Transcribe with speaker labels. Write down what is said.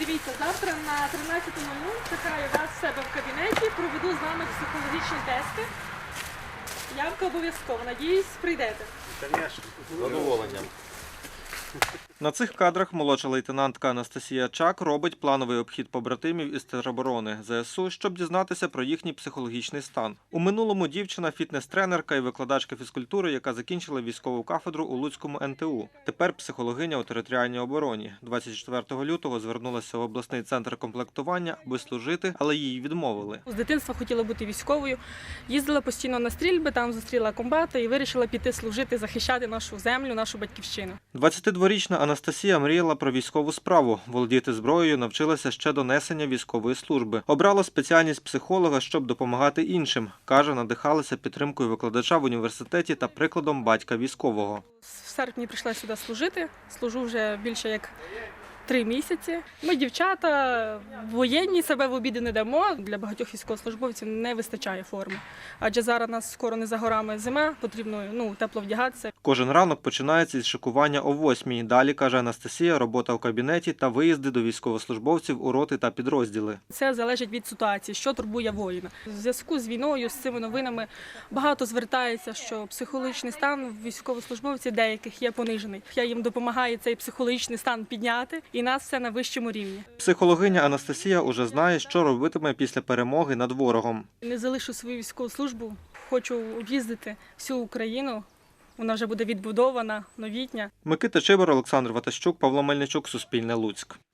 Speaker 1: Дивіться, завтра на 13:00 чекаю вас в себе в кабінеті, проведу з вами психологічні тести. Явка обов'язково. Надіюсь, прийдете.
Speaker 2: Звісно, з задоволенням.
Speaker 3: На цих кадрах молодша лейтенантка Анастасія Чак робить плановий обхід побратимів із тероборони ЗСУ, щоб дізнатися про їхній психологічний стан. У минулому дівчина – фітнес-тренерка і викладачка фізкультури, яка закінчила військову кафедру у Луцькому НТУ. Тепер психологиня у територіальній обороні. 24 лютого звернулася в обласний центр комплектування, аби служити, але їй відмовили.
Speaker 1: З дитинства хотіла бути військовою, їздила постійно на стрільби, там зустріла комбата і вирішила піти служити, захищати нашу землю, нашу батьківщину.
Speaker 3: 22-річна Анастасія мріяла про військову справу. Володіти зброєю навчилася ще до несення військової служби. Обрала спеціальність психолога, щоб допомагати іншим. Каже, надихалася підтримкою викладача в університеті та прикладом батька військового.
Speaker 1: В серпні прийшла сюди служити, служу вже більше як 3 місяці. Ми, дівчата, воєнні, себе в обіди не дамо. Для багатьох військовослужбовців не вистачає форми. Адже зараз у нас скоро не за горами зима, потрібно тепло вдягатися.
Speaker 3: Кожен ранок починається із шикування о 8-й. Далі, каже Анастасія, робота у кабінеті та виїзди до військовослужбовців у роти та підрозділи.
Speaker 1: Це залежить від ситуації, що турбує воїна. В зв'язку з війною, з цими новинами багато звертається, що психологічний стан військовослужбовців деяких є понижений. Я їм допомагаю цей психологічний стан підняти, і нас все на вищому рівні.
Speaker 3: Психологиня Анастасія уже знає, що робитиме після перемоги над ворогом.
Speaker 1: Не залишу свою військову службу, хочу об'їздити всю Україну. Вона вже буде відбудована, новітня.
Speaker 3: Микита Чибар, Олександр Ватащук, Павло Мельничук, Суспільне Луцьк.